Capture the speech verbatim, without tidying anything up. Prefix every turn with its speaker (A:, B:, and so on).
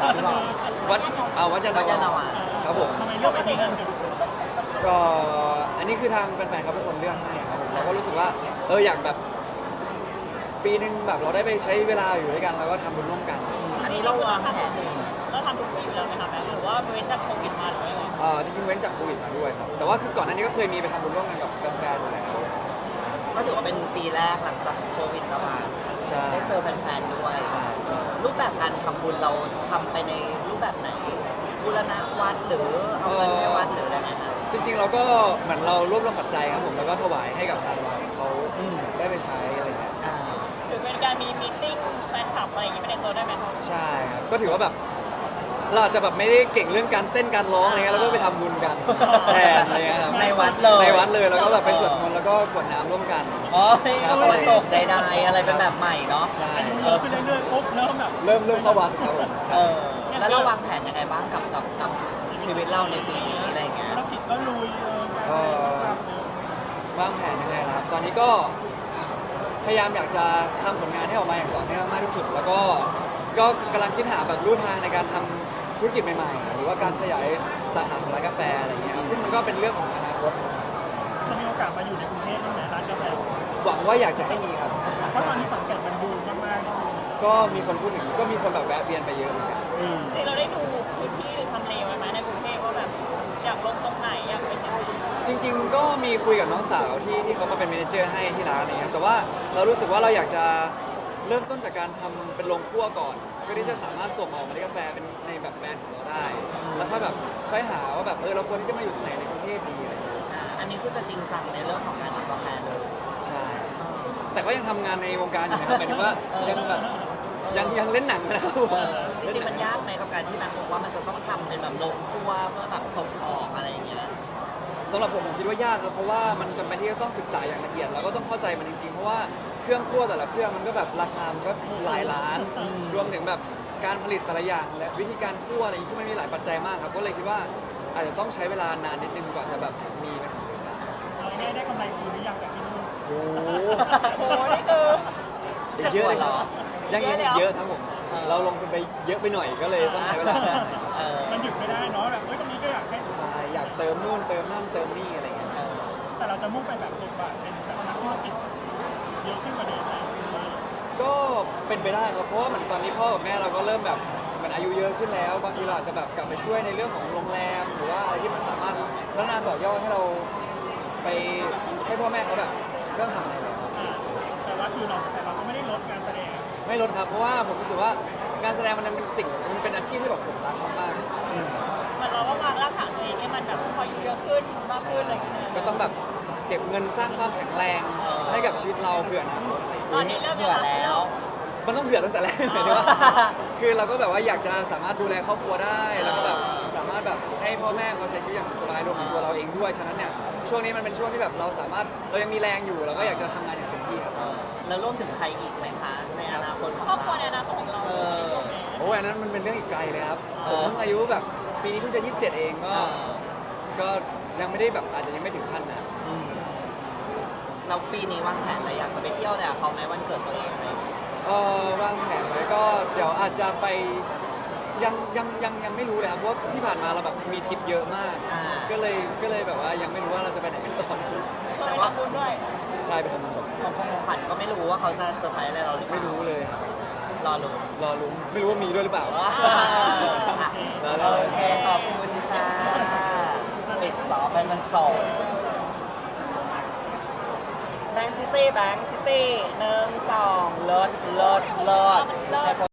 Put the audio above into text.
A: หรือเปล่า
B: วัดเอาวัดจันท
A: วัดยานนาวา
B: ครับผม
C: ทำไมเลือกไปที่นั่น
B: ก็อันนี้คือทางแฟนๆเขาเป็นคนเลือกให้ครับผมเราก็รู้สึกว่าเอออยากแบบปีหนึ่งแบบเราได้ไปใช้เวลาอยู่ด้วยกันแล้วก็ทำบุญร่วมกัน
A: อันนี้เราวางแผน
C: แล้วทำทุกปีอยู่แล้วไหมคะแบงค์หรือว่าเว้นจากโควิดมาหรือว่ายังไง
B: เอ่อจริงๆเว้นจากโควิดมาด้วยครับแต่ว่าคือก่อนหน้านี้ก็เคยมีไปทำบุญร่วมกันกับแฟนๆอยู่แล้ว
A: ก็ถือว่าเป็นปีแรกหลังจากโควิดระบาด
B: ใช่
A: ได้เจอแฟนๆด้วย
B: ใช่ใช่
A: รูปแบบการทำบุญเราทำไปในรูปแบบไหนบูรณะวัดหรือเอาเงินให้วัดหรืออะไรเงี้ยครับ
B: จริงๆเราก็เหมือนเรารวบรวมปัจจัยครับผมแล้วก็ถวายให้กับทางวัดเขา
A: อืม
B: ได้ไปใช้อะไรเงี้ย
A: อ่า
C: หรือเป็นการมีมีตติ้งแฟนคลับอะไรอย่างงี้ไม่ในตัวได้ไหมคะ
B: ใช่ครับก็ถือว่าแบบเราอาจจะแบบไม่ได้เก่งเรื่องการเต้นการร้องอะไรเงี้ยเราก็ไปทำบุญกันแทนอะไรเงี้ยครับ
A: ในวัดเลย
B: ในวัดเลยแล้วก็แบบไปสวดมนต์แล้วก็กรวดน้ำร่วมกัน
A: อ๋อเอาประสบใดๆอะไรเป็นแบบใหม่เนาะ
B: ใช่
C: เออขึ้นเรื่อยๆปุ๊บเริ่มแบบ
B: เริ่มเริ่มเข้าวัดครับผม
A: เออแล้วเราวางแผนยังไงบ้างกับกับกับชีวิตเราในปีนี้อะไรเงี้ย
C: ธุรกิจก็ลุยเออ
B: วางแผนยังไงนะครับตอนนี้ก็พยายามอยากจะทำผลงานให้ออกมาอย่างต่อเนื่องมากที่สุด แล้วก็ก็กำลังคิดหาแบบรูทางในการทำธุรกิจใหม่ๆ หรือว่าการขยายสาขาของร้านกาแฟอะไรอย่างเงี้ยครับซึ่งมันก็เป็นเรื่องของอนาคต
C: จะมีโอกาสมาอยู่ในกรุงเทพบ้างไหมร้านกาแฟ
B: หวังว่าอยากจะให้มีครับ
C: เพราะตอนนี้ฝั่งแก่นมันบูมมากๆในชีวิต
B: ก็มีคนพูดถึงก็มีคนแบบแวะเวียนไปเยอะเหมือนกัน
C: จริงเราได้ดูพื้นที่หรือทำเลไว้ไหมในกรุงเทพว่าแบบอยากลงตรงไหนอยากเป็นยังไง
B: จริง ๆ ก็มีคุยกับน้องสาวที่ที่เขามาเป็นเมเนเจอร์ให้ที่ร้านอะไรเงี้ยแต่ว่าเรารู้สึกว่าเราอยากจะเริ่มต้นจากการทำเป็นโรงคั่วก่อนเพื่อที่จะสามารถส่งออกเมล็ดกาแฟเป็นในแบบแบรนด์ของเราได้ แล้วค่อยแบบค่อยหาว่าแบบเออเราควรที่จะมาอยู่ตรงไหนในกรุงเทพดีอะไรเงี้ย
A: อ่าอันนี้คือจะจริงจังในเรื่องของการทำกาแฟเลย
B: ใช่ แต่ก็ยังทำงานในวงการอยู่นะครับหมายถึงว่ายังแบบยังยังเล่นหนังนะครับ
A: เออจริงๆมันยากไหมกับการที่นักบอกว่ามันจะต้องทำเป็นแบบโรงครัวเพื่อแบบส่งออกอะไรอย่างเงี้ย
B: สำหรับผมผมคิดว่ายากครับเพราะว่ามันจำเป็นที่จะต้องศึกษาอย่างละเอียดแล้วก็ต้องเข้าใจมันจริงๆ เพราะว่าเครื่องคั่วแต่ละเครื่องมันก็แบบราคามันก็หลายล้าน รวมถึงแบบการผลิตแต่ละอย่างและวิธีการคั่วอะไรอย่างนี้ที่มันมีหลายปัจจัยมากครับก็เลยคิดว่าอาจจะต้องใช้เวลานานนิดนึงกว่าจะแบบมีเป็นของตัวเองได้
C: เราได้ได้กำไรคืนหรือยังจากที่นู่น
B: โอ้โห
C: โอ้นี่คือ
B: อีกเยอะเลยครับยังยังอีกเยอะครับผม
A: เออ
B: เราลงทุนไปเยอะไปหน่อยก็เลยต้องใช้เวลา
A: เออ
C: มันหยุดไม่ได้เนาะแบบเฮ้ยตรงนี้ก็อยากให้
B: ใช่อยากเติมนู่นเติมนั่นเติมนี่อะไรเงี้ย
A: เออ
C: แต่เราจะมุ่งไปแบบบทบาทเป็นแบบนักธุรกิจเยอะขึ้นกว่าเดิมไหม
B: ก็เป็นไปได้ครับเพราะว่าเหมือนตอนนี้พ่อกับแม่เราก็เริ่มแบบเหมือนอายุเยอะขึ้นแล้วบางทีเราอาจจะแบบกลับไปช่วยในเรื่องของโรงแรม หรือว่าอะไรที่มันสามารถพัฒนาต่อยอดให้เราไปให้พ่อแม่เขาแบบเรื่องทำอะไรแล้ว
C: อ่าแต่ว่าคือเราแต่เราก็ไม่ได้ลดการแสดง
B: ไม่ลดครับเพราะว่าผมรู้สึกว่าการแสดงมันเป็นสิ่งมันเป็นอาชีพที่แบบผมรักมาก
C: เหมือนเราก็วางรากฐานตัวเองให้มันแบบพออายุเยอะขึ้นมากขึ้นอะไรอย่างเงี้ย
B: ๆก็ต้องแบบเก็บเงินสร้างความแข็งแรง
A: เออ
B: ให้กับชีวิตเราเผื่ออนาคตอะไรอย่าง
C: ตอน
B: เงี้ย
C: นี้เริ่ม
A: เผื่อแล้ว
B: มันต้องเผื่อตั้งแต่แรกหมายถึงว่า คือเราก็แบบว่าอยากจะสามารถดูแลครอบครัวได้แล้วก็แบบสามารถแบบให้พ่อแม่เขาใช้ชีวิตอย่างสุขสบายรวมถึงตัวเราเองด้วยฉะนั้นเนี่ยช่วงนี้มันเป็นช่วงที่แบบเราสามารถเรายังมีแรงอยู่เราก็อยากจะทำงานอย่างเต็มที่ครับ
A: เออแล้วร่วมถึงใครอีกไหมคะ ในอนาคตของ
C: ครอบครัว
A: เรา
C: ในอนาคตของเรา
A: เออ
B: โอ้ยอันนั้นมันเป็นเรื่องอีกไกลเลยครับ
A: เอ
B: ผม
A: อ
B: เพิ่งอายุแบบปีนี้เพิ่งจะยี่สิบเจ็ดเองก็
A: เออ
B: ก็ยังไม่ได้แบบอาจจะยังไม่ถึงขั้นนะ
A: อืมเราปีนี้วางแผนอะไรอยากจะไปเที่ยวเนี่ยเขาไหมวันเกิดตัวเองอะไรอย่างเงี้ย
B: เออวางแผนไว้ก็เดี๋ยวอาจจะไปยังยังยังยังไม่รู้เลยครับเพราะที่ผ่านมาเราแบบมีทริปเยอะมาก
A: อ่า
B: ก็เลยก็เลยแบบว่ายังไม่รู้ว่าเราจะไปไหนกันต่อ
C: ช่วยทำบุญด้วย
B: ใช่ไปทำบุญก่อน
A: ของของของขวัญก็ไม่รู้ว่าเขาจะเซอร์ไพรส์อะไรเราหรือเปล่า
B: ไม่รู้เลยครับ
A: รอรู้
B: รอลุ้นไม่รู้ว่ามีด้วยหรือเปล่า
A: อ่ะ
B: รอ
A: โอ
B: ลุ้น
A: เคขอบคุณค่ะปิดสอบไปมันโสดแบงค์ซิตี้แบงค์ซิตี้หนึ่งสองเลิศเลิศเลิศ